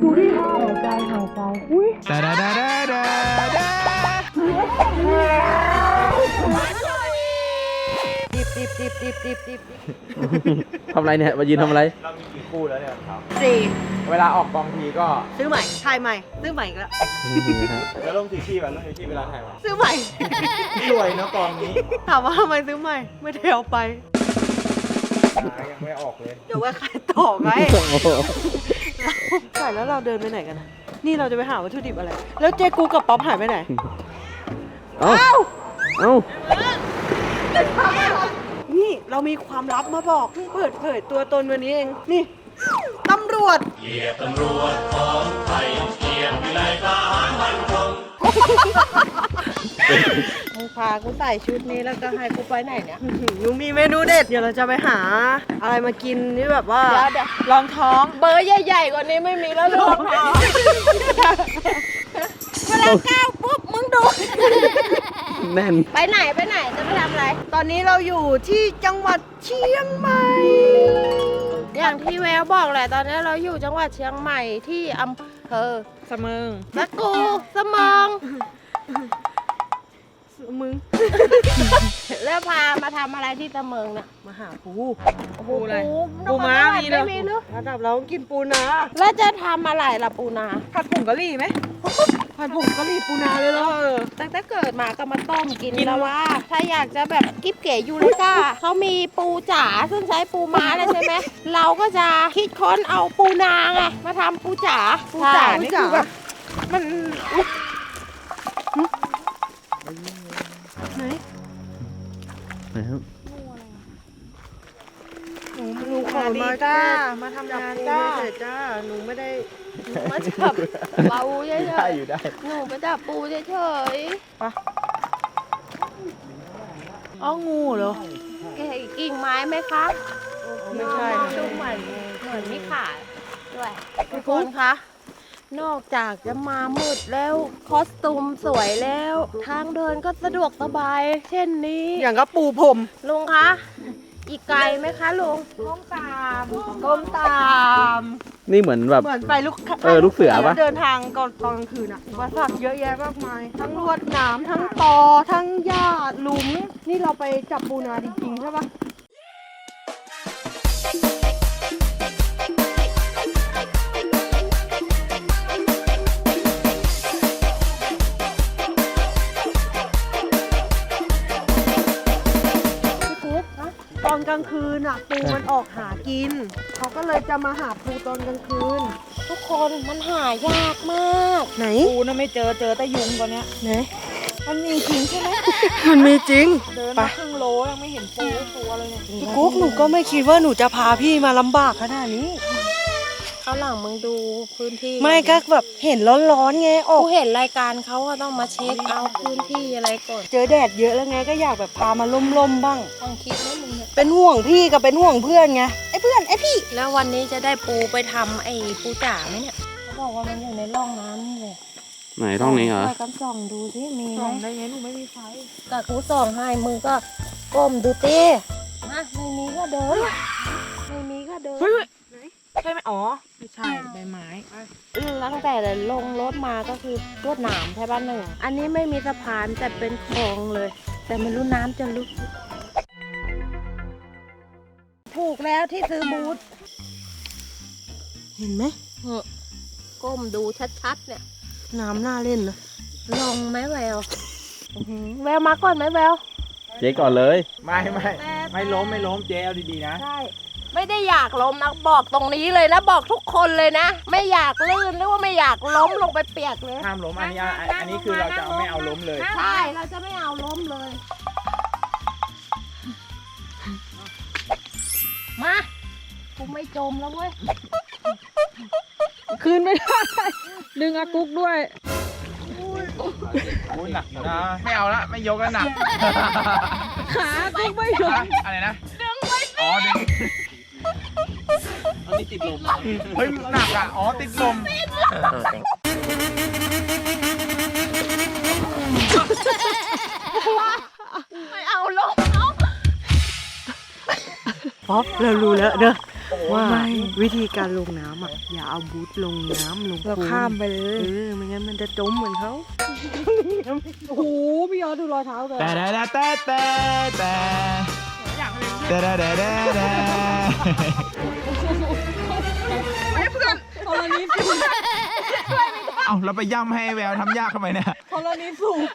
ดูดิหายใจอุ้ยดาดาดาดาดาดาดิบทำอะไรเนี่ยมายืนทำอะไรเรามีกี่คู่แล้วเนี่ยครับ 4 เวลาออกกองทีก็ซื้อใหม่ถ่ายใหม่ซื้อใหม่อีกแล้วแล้วลงสีชีพแบบลงสีชีพเวลาถ่ายมาซื้อใหม่รวยนะกองนี้ถามว่าทำไมซื้อใหม่ไม่ได้เอาไปยังไม่ออกเลยเดี๋ยวไว้ขายต่อไงใส่แล้วเราเดินไปไหนกันนะนี่เราจะไปหาวัตถุดิบอะไร แล้วเจ๊กูกับป๊อปหายไปไหนเอ้าเอ้านี่เรามีความลับมาบอกเพิ่งเปิดเผยตัวตนวันนี้เอง นี่ตำรวจเหยียบตำรวจของไทยเหยียบวิไลทหารมันคงมึงพากูใส่ชุดนี้แล้วก็ให้กูไปไหนเนี่ยหนูมีเมนูเด็ด เดี๋ยวเราจะไปหาอะไรมากินที่แบบว่าลองท้องเบอร์ใหญ่ๆกว่านี้ไม่มีแล้วลองท้องเวลาก้าวปุ๊บมึงดูแน่นไปไหนจะไปทำอะไร ตอนนี้เราอยู่ที่จังหวัดเชียงใหม่ อย่างที่แววบอกแหละตอนนี้เราอยู่จังหวัดเชียงใหม่ที่อำเภอเสมิงตะกูเสมองมึง แล้วพามาทำอะไรที่เสมิงเนี่ยมาหาปูปูอะไรปูม้ามีเลยมีหรือระดับเราต้องกินปูนาแล้วจะทำอะไรล่ะปูนาผัดผงกะหรี่ไหมผัดผงกะหรี่ปูนาเลยเหรอตั้งแต่เกิดมาก็มาต้มกินแล้วว่า ถ้าอยากจะแบบกิ๊บเก๋ยูริก้าเขามีปูจ๋าซึ่งใช้ปูม้าแล้วใช่ไหมเราก็จะคิดค้นเอาปูนาไงมาทำปูจ๋านี่คือแบบมันไหนนะครับหนูขอมาจ้ามาทำงานจ้าหนูไม่ได้มาจับปูเฉยได้อยู่ได้ๆหนูไปจับปูเฉยๆปะอ๋องูเหรอกิ่งไม้ไหมคะไม่ใช่ดูเหมือนไม่ขาดด้วยทุกคนคะนอกจากจะมามืดแล้วคอสตูมสวยแล้วทางเดินก็สะดวกสบายเช่นนี้อย่างก็ปูพรมลุงคะอีกไกลไหมคะลุงก้มตามนี่เหมือนแบบเหมือนไปลูกลูกเสือปะเดินทางตอนกลางคืนอะวัสักเยอะแยะมากมายทั้งลวดหนามทั้งตอทั้งหญ้าหลุมนี่เราไปจับปูนาจริงๆใช่ปะตอนกลางคืนอ่ะปูมันออกหากินเขาก็เลยจะมาหาปูตอนกลางคืนทุกคนมันหายากมากไหนปูน่ะไม่เจอแต่ยุงตอนเนี้ยไหนมันมีจริงใช่ไหมมันมีจริงเดินมาครึ่งโลยังไม่เห็นปูตัวเลยเนี่ยพี่กุ๊กหนูก็ไม่คิดว่าหนูจะพาพี่มาลำบากขนาดนี้ข้างหลังมึงดูพื้นที่ไม่ก็แบบเห็นร้อนๆไงออกเห็นรายการเขาอะต้องมาเช็คเอาพื้นที่อะไรก่อนเจอแดดเยอะแล้วไงก็อยากแบบพามาล่มๆบ้างต้องคิดไหมมึงเป็นห่วงพี่กับเป็นห่วงเพื่อนไงไอ้เพื่อนไอ้พี่แล้ววันนี้จะได้ปูไปทำไอ้ปูจ๋าไหมเนี่ยเขาบอกว่ามันอยู่ในร่องน้ำนี่เลยไหนท้องนี้เหรอช่วยกันส่องดูสิมีไหมส่องได้ไงหนูไม่มีไฟกับกูส่องให้มึงก็ก้มดูตีนะไม่มีก็เดินไม่มีก็เดินใช่ไหมอ๋อไม่ใช่ใบไม้ตั้งแต่ลงรถมาก็คือรถหนามใช่ป่ะหนึ่งอันนี้ไม่มีสะพานแต่เป็นคลองเลย แต่ไม่รู้น้ำจะลึกถูกแล้วที่ซื้อบูธเห็นไหมก้มดูชัดๆเนี่ยน้ำน่าเล่นนะลองไหมแววแววมาก่อนไหมแววเจ๊ก่อนเลยไม่ล้มเจ๊เอาดีๆนะใช่ไม่ได้อยากล้มนะบอกตรงนี้เลยนะบอกทุกคนเลยนะไม่อยากลื่นหรือว่าไม่อยากล้มลงไปเปียกเลยห้ามล้มอันนี้คือเราจะไม่เอาล้มเลยใช่เราจะไม่เอาล้มเลยมากูไม่จมแล้วเว้ยคืนไม่ได้ดึงอากุ๊กด้วยกูหนักอยู่นะไม่เอาละไม่ยกแล้วหนักขากุ๊กไม่ยอมอะไรนะดึงไปอ๋อดึงอันนี้ติดลมเฮ้ยหนักอ่ะอ๋อติดลมป๊อปเรารู้แล้วเด้อว่าวิธีการลงน้ำอ่ะอย่าเอาบูทลงน้ำลงเราข้ามไปเลยไม่งั้นมันจะจมเหมือนเขาโอ้โหพี่ยอดดูรอยเท้ากันแต่ธรณีสูบเอาเราไปย่ำให้แววทำยากทำไมเนี่ยธรณีสูบ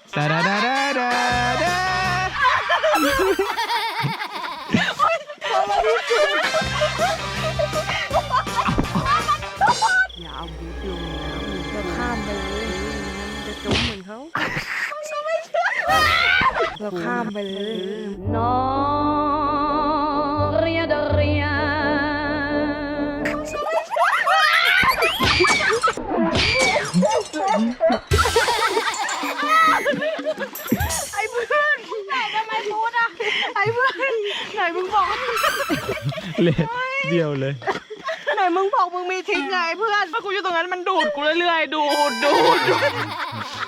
อย่าเอาบูทลงน้ำเราข้ามไปเลยมันจะจมเหมือนเขาเราข้ามไปเลยน้องเรียดเรียไหนมึงบอกเละเดียวเลยไหนมึงบอกมึงมีทริคไงเพื่อนถ้ากูอยู่ตรงนั้นมันดูดกูเรื่อยๆดูด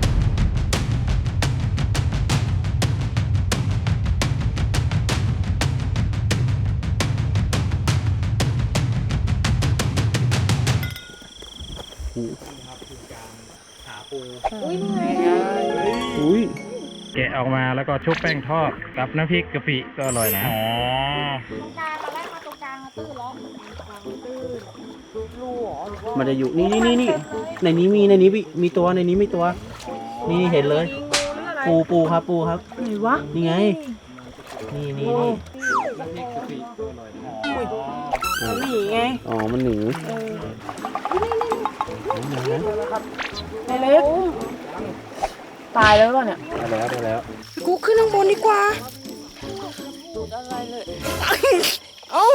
อุ้ยแกะออกมาแล้วก็ชุบแป้งทอดกับน้ำพริกกะปิก็อร่อยนะอ๋อมันจะอยู่นี่ในนี้มีตัวในนี้มีตัว นี่เห็นเลย ปูครับไหนวะนี่ไงนี่หนีไงอ๋อมันหนีเล็กตายแล้วเนี่ยได้แล้วกูขึ้นข้างบนดีกว่าเอ้า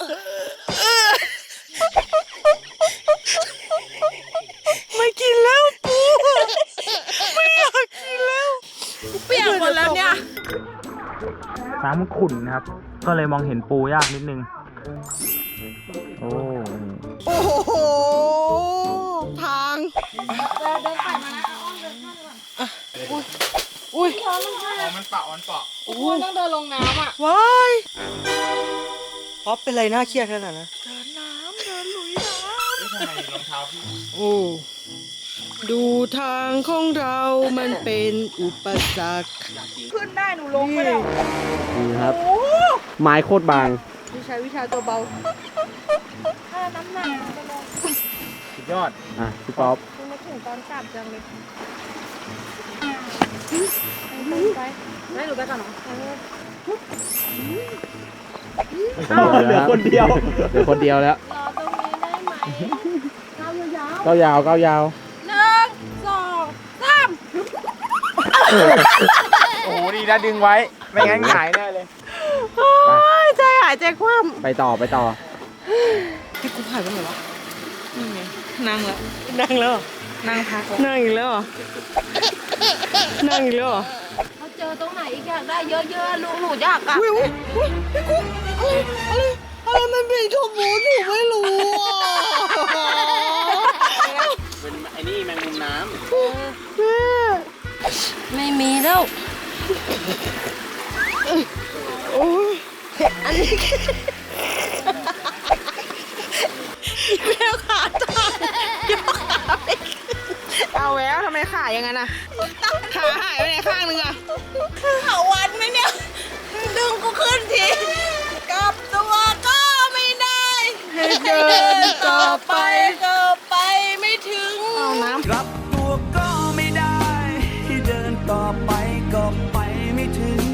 ไม่กินแล้วกูไม่อยากกินแล้วเปียกหมดแล้วเนี่ยน้ำมันขุ่นนะครับ ก็เลยมองเห็นปูยากนิดนึง โอ้โอ้โหทางอุ้ยมันเปาะต้องเดินลงน้ำอ่ะว้ายป๊อปเป็นไรน่าเครียดขนาดนั้นเดินน้ำเดินลุยน้ำทำไมรองเท้าพี่โอ้ดูทางของเรามันเป็นอุปสรรคขึ้นได้หนูลงไปแล้วนี่ครับ ไม้โคตรบางวิชาตัวเบาถ้าน้ำหนักจะลงสุดยอดอ่ะพี่ป๊อปคุณมาถึงตอนกลับจังเลยไปไม่หนูไปก่อนเหรอเหลือคนเดียวแล้วรอตรงนี้ได้ไหมก้าวยาวก้าวยาว 1 2 3 โอ้โหดีนะดึงไว้ ไม่งั้นหงายแน่เลยโอ้ยใจหายใจคว่ไปต่อำพี่กูหายไปไหนวะนั่งแล้วนั่งแล้วนั่งพักนั่งอีกแล้วนั่งอีกแล้วเขาเจอตรงไหนอีกอยากได้เยอะๆลูกหนูอยากอะอุ้ยพี่กุ๊กอะไรมันเป็นขโมยหนูไม่รู้อ่ะเป็นไอ้นี่แมงมุมน้ไม่มีแล้วโอ้ยอันนี้แมวขาตายเอาแล้วทำไมขาอย่างนั้นอ่ะขาหายไปไหนข้างนึงอ่ะขาวันไหมเนี่ยดึงกูขึ้นทีกลับตัวก็ไม่ได้ให้เดินต่อไปก็ไปไม่ถึงเอาน้ำกลับตัวก็ไม่ได้ให้เดินต่อไปก็ไปไม่ถึง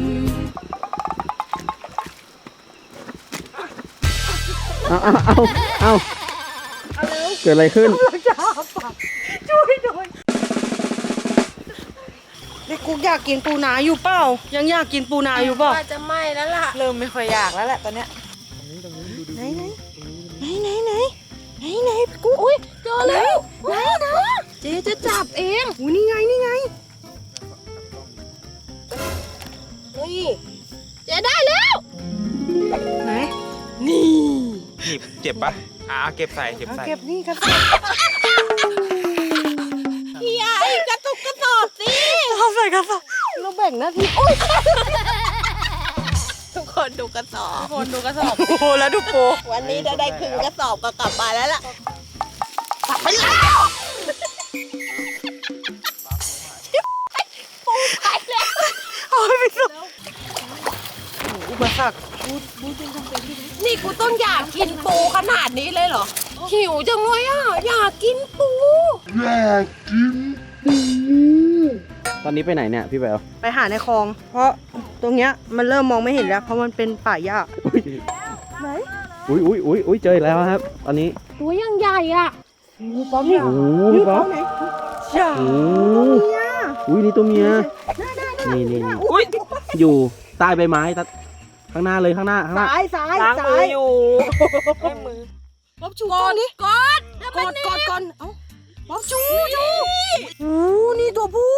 ำเอาเกิดอะไรขึ้นช่วยหน่อยนี่กูอยากกินปูนาอยู่เปล่ายังอยากกินปูนาอยู่เปล่าว่าจะไหม้แล้วล่ะเริ่มไม่ค่อยอยากแล้วแหละตอนเนี้ยไหนกูอุ้ยเจอแล้วไหนเจ๊จะจับเองอุ้ยนี่ไงนี่เจ๊ได้แล้วไหนนี่หนีบเจ็บปะเก็บใส่เก็บนี่ครับพี่ไอ้กระตุกกระสอบสิเอาใส่กระสอบเราแบ่งหน้าที่โอ๊ยทุกคนคนดูกระสอบคนดูกระสอบปูแล้วดูปูวันนี้จะได้ครึ่งกระสอบก็กลับมาแล้วล่ะกลับไปแล้วปูไปแล้วโอ้ยไปสุดอุปสรรคนี่กูต้องอยากกินปูขนาดนี้เลยเหรอหิวจังเลยอ่ะอยากกินปูตอนนี้ไปไหนเนี่ยพี่แววไปหาในคลอง เพราะตรงเนี้ยมันเริ่มมองไม่เห็นแล้วเพราะมันเป็นป่าหญ้าอุ้ยเจออีกแล้วครับ ตอนนี้ตัวยังใหญ่อ่ะป๊อปนี่โอ้โหพี่ป๊อปจ้าโอ้โหอุ้ยนี่ตัวเมียนี่อยู่ใต้ใบไม้ข้างหน้าเลยข้างหน้าซ้ายซ้ายล้างมืออยู่ป๊อปชูกอนดิกอดเอ้าป๊อปชูโอ้นี่ตัวผู้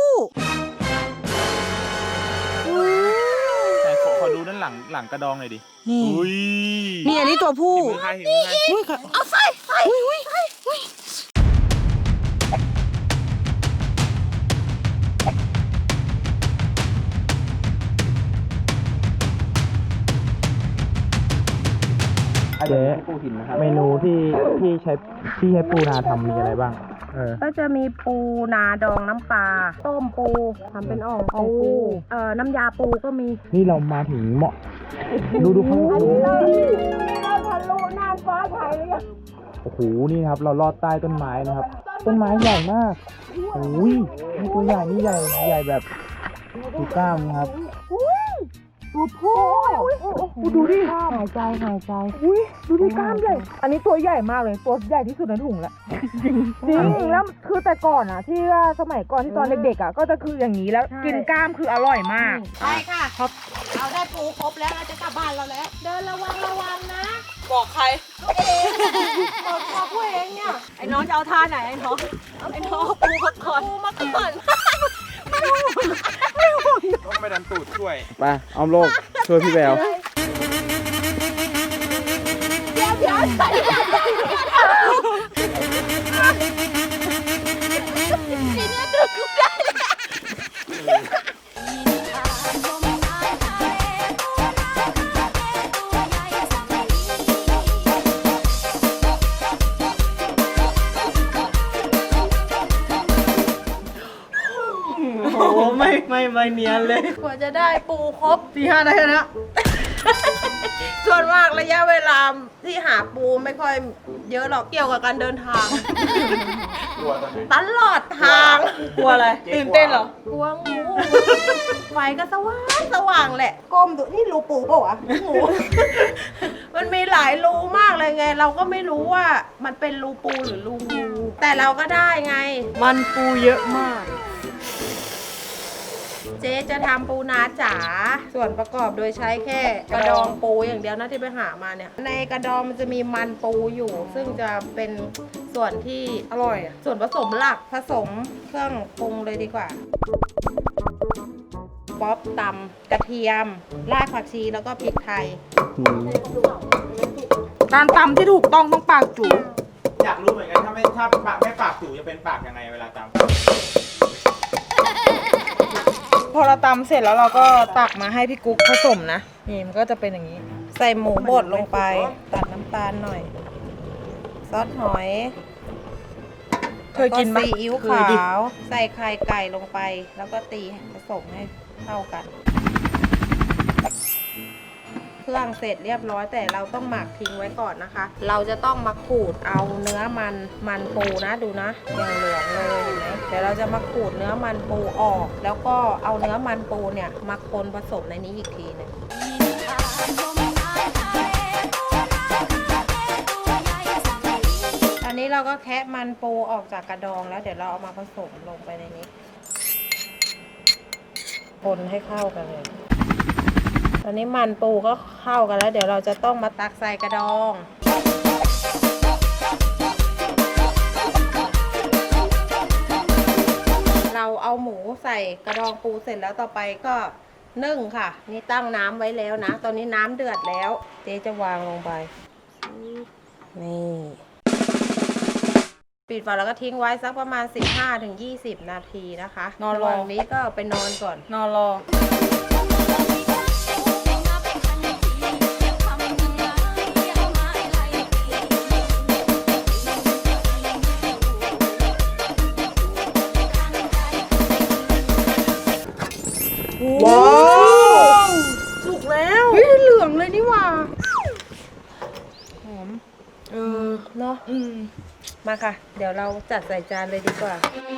แต่ขอดูด้านหลังกระดองหน่อยดินี่อุ้ยนี่อันนี้ตัวผู้มือใครเห็นมือใครอุ้ยค่ะเอาใส่เจ๊เมนูที่ใช้ปูนาทำมีอะไรบ้างก็จะมีปูนาดองน้ำปลาต้มปูทำเป็นอ่องปูน้ำยาปูก็มีนี่เรามาถึงเหมาะดูข้างบนเราทะลุน่านฟ้าไทยเลยโอ้โหนี่ครับ เราลอดใต้ต้นไม้นะครับ ต้นไม้ใหญ่มากโอ้ยนี่ตัวใหญ่นี่ใหญ่แบบดูกล้ามนะครับตัวผู้ดูดิหายใจอุ้ยดูดิกล้ามใหญ่ อันนี้ตัวใหญ่มากเลยตัวใหญ่ที่สุดในถุงแล้วจริงแล้วคือแต่ก่อนอ่ะ ที่ว่าสมัยก่อนที่ตอนเด็กๆอ่ะก็จะคืออย่างนี้แล้วกินกล้ามคืออร่อยมากใช่ค่ะเราได้ปูครบแล้วเราจะกลับบ้านเราแล้ว เดินระวังนะบอกใครบอกผู้เองเนี่ยไอ้น้องจะเอาท่าไหนไอ้น้องปูมาก่อนปูมาก่อนต้องไปดันตูดช่วยไปอ้อมโลกช่วยพี่แวว โอ้ไม่เนียนเลยกว่าจะได้ปูครบ 4-5 ได้แค่นี้ส่วนมากระยะเวลาที่หาปูไม่ค่อยเยอะหรอกเกี่ยวกับการเดินทาง ตลอดทางกลัวอะไรตื่นเต้นเหรอกลัวงูไฟก็สว่างแหละก้มดูนี่รูปูเปล่าวะงู มันมีหลายรูมากเลยไง เราก็ไม่รู้ว่ามันเป็นรูปูหรือรูงูแต่เราก็ได้ไงมันปูเยอะมากเจ๊จะทำปูนาจ๋าส่วนประกอบโดยใช้แค่กระดองปูอย่างเดียวนะที่ไปหามาเนี่ยในกระดองมันจะมีมันปูอยู่ ซึ่งจะเป็นส่วนที่อร่อยส่วนผสมหลักผสมเครื่องปรุงเลยดีกว่าป๊อปตำกระเทียมรากผักชีแล้วก็พริกไทยการตำที่ถูกต้องปากจู๋อยากรู้เหมือนกันถ้าปากไม่ปากจู่จะเป็นปากยังไงเวลาจำพอเราตำเสร็จแล้วเราก็ตักมาให้พี่กุ๊กผสมนะนี่มันก็จะเป็นอย่างนี้ใส่หมูบดลงไปตัดน้ำตาลหน่อยซอสหอยเคยกินไหมซีอิ๊วเคยขาดิวใส่ไข่ไก่ลงไป แล้วก็ตีผสมให้เข้ากัน เครื่องเสร็จเรียบร้อยแต่เราต้องหมักทิ้งไว้ก่อนนะคะ เราจะต้องมาขูดเอาเนื้อมันปูนะดูนะอย่างเหลืองเลยเห็นไหมเดี๋ยวเราจะมาขูดเนื้อมันปูออก แล้วก็เอาเนื้อมันปูเนี่ยมาคนผสมในนี้อีกทีหนึงตอนนี้เราก็แคะมันปูออกจากกระดองแล้วเดี๋ยวเราเอามาผสมลงไปในนี้คนให้เข้ากันเลยตอนนี้มันปูก็เข้ากันแล้วเดี๋ยวเราจะต้องมาตักใส่กระดอง เราเอาหมูใส่กระดองปูเสร็จแล้วต่อไปก็นึ่งค่ะนี่ตั้งน้ำไว้แล้วนะตอนนี้น้ำเดือดแล้วเจ๊จะวางลงไปนี่ปิดฝาแล้วก็ทิ้งไว้สักประมาณ 15-20 นาทีนะคะนอนรอระหว่างนี้ก็ไปนอนก่อนนอนรอมาค่ะ เดี๋ยวเราจัดใส่จานเลยดีกว่า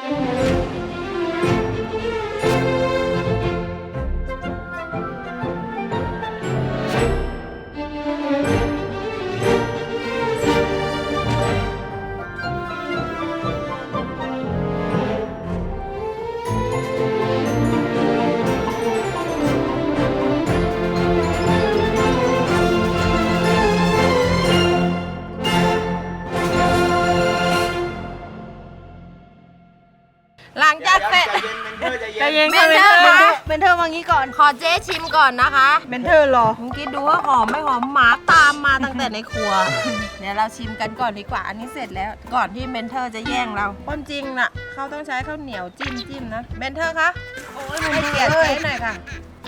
หลังจากเสร็จใจเย็นเมค่ะนเมเทนอเทอร์ร์คะเมนเทอร์มางี้ก่อนขอเจ๊ชิมก่อนนะคะเมนเทอร์รอมึงคิดดูว่าหอมไม่หอมหมาตามมาตั้งแต่ในครัว เดี๋ยวเราชิมกันก่อนดีกว่า อันนี้เสร็จแล้ว ก่อนที่เมนเทอร์จะแย่งเราความจริงน่ะเขาต้องใช้ข้าวเหนียวจิ้มนะ เมนเทอร์คะให้เกียรติเจ๊หน่อยค่ะ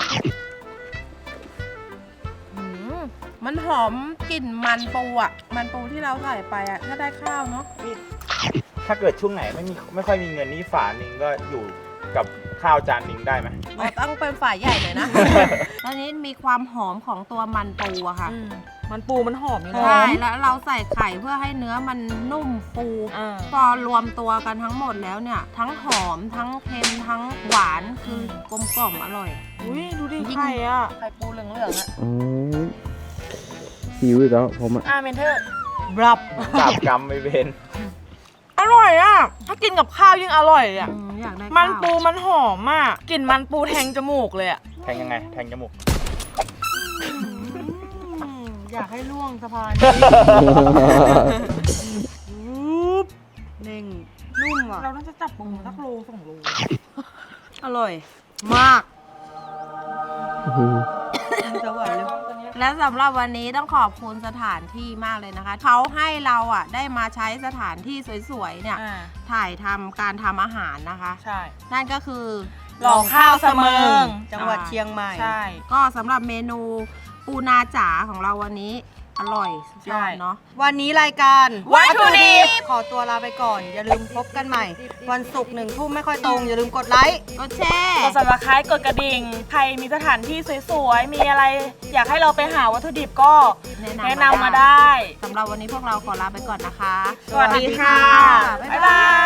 หืมมันหอมกลิ่นมันปูอ่ะ มันปูที่เราใส่ไปอ่ะ ถ้าได้ข้าวเนาะถ้าเกิดช่วงไหนไม่ค่อยมีเงินนี่ฝาหนึ่งก็อยู่กับข้าวจานหนึ่งได้ไหมเราต้องเป็นฝ่ายใหญ่หน่อยนะ ตอนนี้มีความหอมของตัวมันปูอะค่ะมันปูมันหอมอยู่ใช่นะแล้วเราใส่ไข่เพื่อให้เนื้อมันนุ่มฟู พอรวมตัวกันทั้งหมดแล้วเนี่ย ทั้งหอมทั้งเค็มทั้งหวานคือกลมกล่อมอร่อยอุ้ยดูดิไข่อ่ะไข่ปูเหลืองๆอะหิวอีกแล้วผมอ่ะเมนเทอร์บรับจับกรรมไม่เป็นอร่อยอ่ะ ถ้ากินกับข้าวยิ่งอร่อยอ่ะอยากได้มันข้าวปูมันหอมมากกลิ่นมันปูแทงจมูกเลยอ่ะแทงยังไง แทงจมูกอยากให้ล่วงสะพานเน่งนุ่มอ่ะเราน่าจะจับปูสักโล2 โลอร่อย มากจะหวานเลยและสำหรับวันนี้ต้องขอบคุณสถานที่มากเลยนะคะ เขาให้เราอ่ะได้มาใช้สถานที่สวยๆเนี่ยถ่ายทำการทำอาหารนะคะใช่นั่นก็คือหล่อข้าวเสมิงจังหวัดเชียงใหม่ใช่ก็สำหรับเมนูปูนาจ๋าของเราวันนี้อร่อยสุดยอดเนาะวันนี้รายการวัตถุดิบขอตัวลาไปก่อน อย่าลืมพบกันใหม่ วันศุกร์1 ทุ่มไม่ค่อยตรง อย่าลืมกดไลค์ก็แช่กด subscribe กดกระดิ่ง ใครมีสถานที่สวยๆ มีอะไร อยากให้เราไปหาวัตถุดิบก็แนะนำมาได้สำหรับวันนี้พวกเราขอลาไปก่อนนะคะสวัสดีค่ะ บ๊ายบาย